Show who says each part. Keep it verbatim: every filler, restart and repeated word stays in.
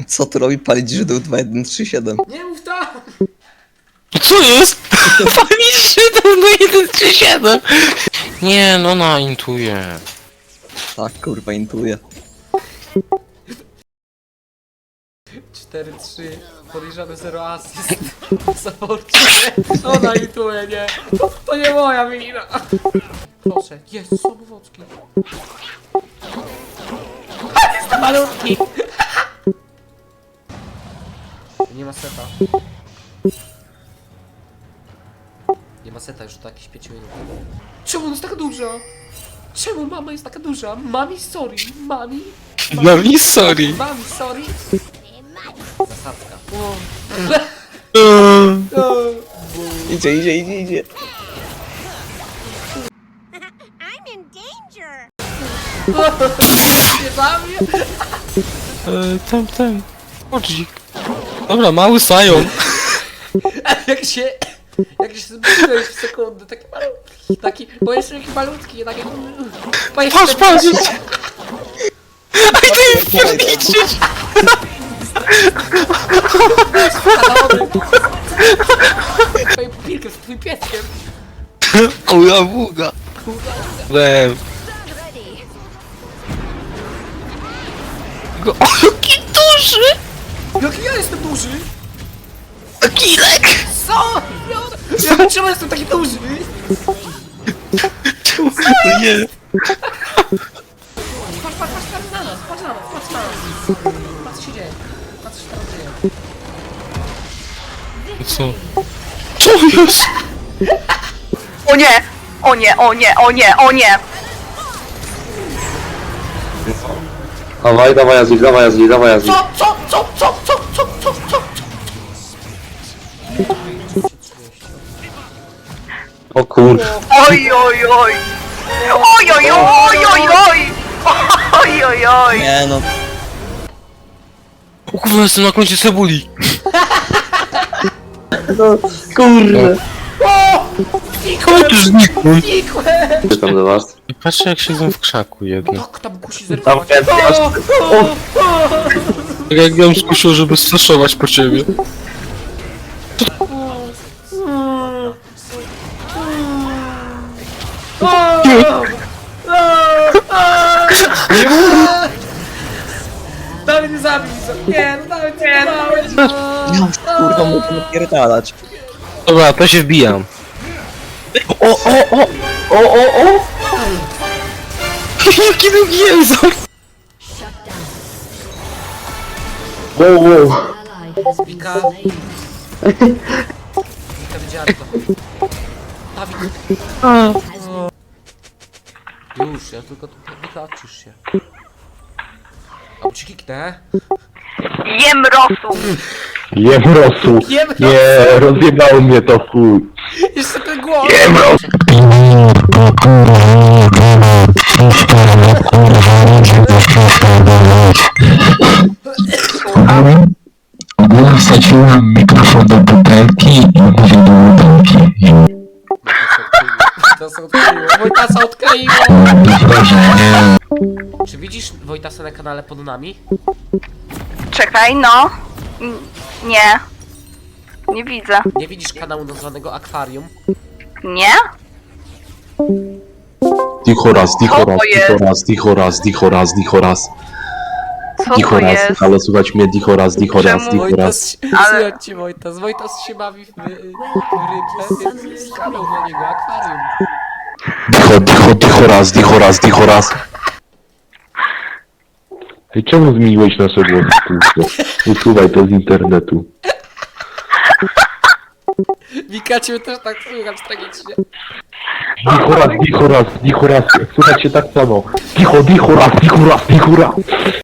Speaker 1: Co tu robi palić Żydów dwa jeden trzy siedem?
Speaker 2: Nie mów tak!
Speaker 3: Co jest? Palisz siedem na jeden trzy siedem. Nie, no na intuje.
Speaker 1: Tak, kurwa, intuję.
Speaker 2: cztery trzy, podejrzane zero asyst. Zaporcie. Ona intuje, nie. To, to nie moja wina. Proszę, jest, są owocki. A, jest to malutki. Nie ma seta. Nie ma seta już to jakieś pięć minut. Czemu ona jest taka duża? Czemu mama jest taka duża? Mami, sorry. Mami.
Speaker 3: Mami, sorry.
Speaker 2: Mami, sorry. Zasadzka. O.
Speaker 1: Idzie, idzie, idzie, idzie.
Speaker 4: I'm in danger.
Speaker 2: Nie bawię.
Speaker 3: E, tam, tam. Chodzik. Dobra, mały sają.
Speaker 2: Jak się... Jak się zbliżyłeś w sekundę, taki malutki, taki... Bo jeszcze taki malutki, taki...
Speaker 3: Patrz, patrz! Aj, ty wpierniczysz!
Speaker 2: Twoim pilkiem, z twoim pieskiem.
Speaker 3: Uja buga. Wiem. Go, o, jaki duży!
Speaker 2: Jaki ja jestem duży?
Speaker 3: Kilek!
Speaker 2: Co? Ja, ja czemu jestem taki duży?
Speaker 3: Nie.
Speaker 2: Patrz, patrz, patrz na nas, patrz na nas, patrz na nas. Patrz co się dzieje, patrz co się tam dzieje.
Speaker 3: Co? Co jest?
Speaker 5: O nie! O nie, o nie, o nie, o nie!
Speaker 6: Dawaj, dawaj Azir, dawaj Azir, dawaj Azir.
Speaker 2: Co, co, co, co, co, co, co, co?
Speaker 6: O kur...
Speaker 5: Oj, oj, oj! Oj, oj, oj, oj, oj! Oj, oj, oj!
Speaker 1: Nie no,
Speaker 3: O kurwa, jestem na końcu cebuli.
Speaker 6: Kurde.
Speaker 3: Chodź, zniknął.
Speaker 2: Nikłe!
Speaker 6: Co tam do was?
Speaker 3: I patrzę jak siedzą w krzaku jedno.
Speaker 2: Tak, tam kusi
Speaker 6: Tam
Speaker 2: zerwać.
Speaker 6: więcej masz...
Speaker 3: Tak jak ja bym skusił, żeby straszować po ciebie.
Speaker 2: Dawid nie zabij! Nie, no Dawid nie dałeś!
Speaker 1: kurwa, muszę napierdalać.
Speaker 3: Dobra, to się wbijam. O, o, o! O, o, o! Jaki długi język!
Speaker 6: Wow, wow.
Speaker 2: Wika... Wika widziała to. Dawid... Już, ja tylko tutaj wykaczysz się. A ci kiknę?
Speaker 5: Jem rosół!
Speaker 6: Jem rosół.
Speaker 2: Jem
Speaker 6: Nie, rozjebało mnie to w chuj.
Speaker 2: Jeszcze ten głos!
Speaker 6: Jem rosół.
Speaker 7: Ogólnie wsadziłem mikrofon do butelki i mówię do butelki.
Speaker 2: Wojtasa odkleiło, Wojtasa odkleiło!
Speaker 7: Proszę, nie.
Speaker 2: Czy widzisz Wojtasa na kanale pod nami?
Speaker 5: Czekaj, no. N- Nie. Nie widzę.
Speaker 2: Nie widzisz kanału nazwanego Akwarium?
Speaker 5: Nie?
Speaker 6: Dicho raz, dicho
Speaker 5: Co
Speaker 6: raz,
Speaker 5: to
Speaker 6: dicho
Speaker 5: jest?
Speaker 6: raz, dicho raz, dicho raz, dicho raz.
Speaker 5: Co
Speaker 6: Dicho
Speaker 5: to
Speaker 6: raz,
Speaker 5: jest?
Speaker 6: ale słuchać mnie, dicho raz, dicho raz,
Speaker 5: Czemu?
Speaker 6: dicho raz.
Speaker 2: Wojtas,
Speaker 5: Ale-
Speaker 2: słychać cię Wojtas, Wojtas się bawi w, w, w rybę, więc kanał dla niego Akwarium.
Speaker 6: Dicho, dicho, dicho raz, dicho raz, dicho raz. Ej, czemu zmieniłeś nasze głosy, kurczę? Usuwaj to z internetu.
Speaker 2: Wika, ciebie też tak słychać tragicznie.
Speaker 6: Dicho raz, dicho raz, dicho raz. Słuchajcie tak samo. Dicho, dicho raz, dicho raz, dicho raz.